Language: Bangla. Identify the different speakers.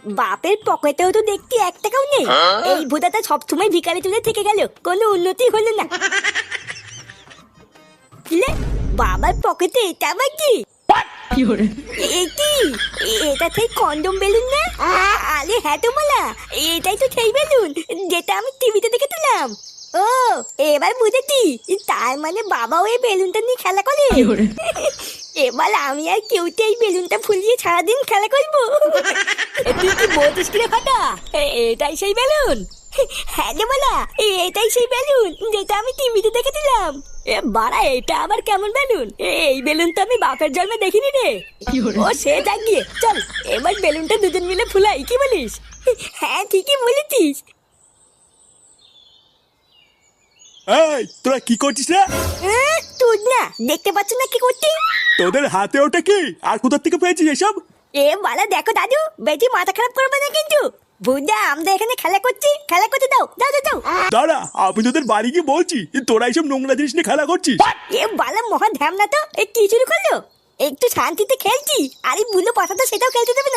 Speaker 1: বাপের পকেটেও তো দেখতে 1 টাকাও নেই। এই ভোদাটা সবসময় ভিখারি তুলে থেকে গেল, কোনো উন্নতি হলো না। কিলে বাবার পকেটে এটা আবার কি? এটা সেই কন্ডম বেলুন না? আরে হ্যাঁ তো বলা, এটাই তো সেই বেলুন যেটা আমি টিভিতে দেখে তুলাম। ও এবার বুঝেছি, তার মানে বাবা ওই বেলুনটা নিয়ে খেলা করে। এবার আমি আর কেউতে এই বেলুনটা ফুলিয়ে সারাদিন খেলা করবো। তুই কি বলছিস কিরে ফাটা? এটাই সেই বেলুন? হ্যাঁ রে বলা, এটাই সেই বেলুন যেটা আমি টিভিতে দেখেছিলাম। বাড়া, এটা আবার কেমন বেলুন? এই বেলুন তো আমি বাপের জন্মে দেখিনি রে। ও সে যাক গিয়ে, চল এবার বেলুনটা দুজন মিলে ফুলাই, কি বলিস? হ্যাঁ ঠিকই বলেছিস।
Speaker 2: এই তোরা কি করছিস রে?
Speaker 1: তুই না দেখতে পাচ্ছ না কি করছিস?
Speaker 2: তোদের হাতে ওটা কি, আর কোথা থেকে পেয়েছিস এসব?
Speaker 1: বালা দেখো দাদু, বেশি মাথা খারাপ করবে না কিন্তু। বুঝা, আমরা এখানে খেলা করছি, খেলা করতে দাও দাও দাও দাও।
Speaker 2: দাঁড়া, আমি তোদের বাড়ি গিয়ে বলছি তোরা এইসব নোংরা জিনিস নিয়ে খেলা করছিস।
Speaker 1: বালা মহা ধ্যাম না তো, কি শুরু করলো? একটু শান্তিতে খেলছি, আর এই বুলো পাতা তো সেটাও খেলতে দেবে না।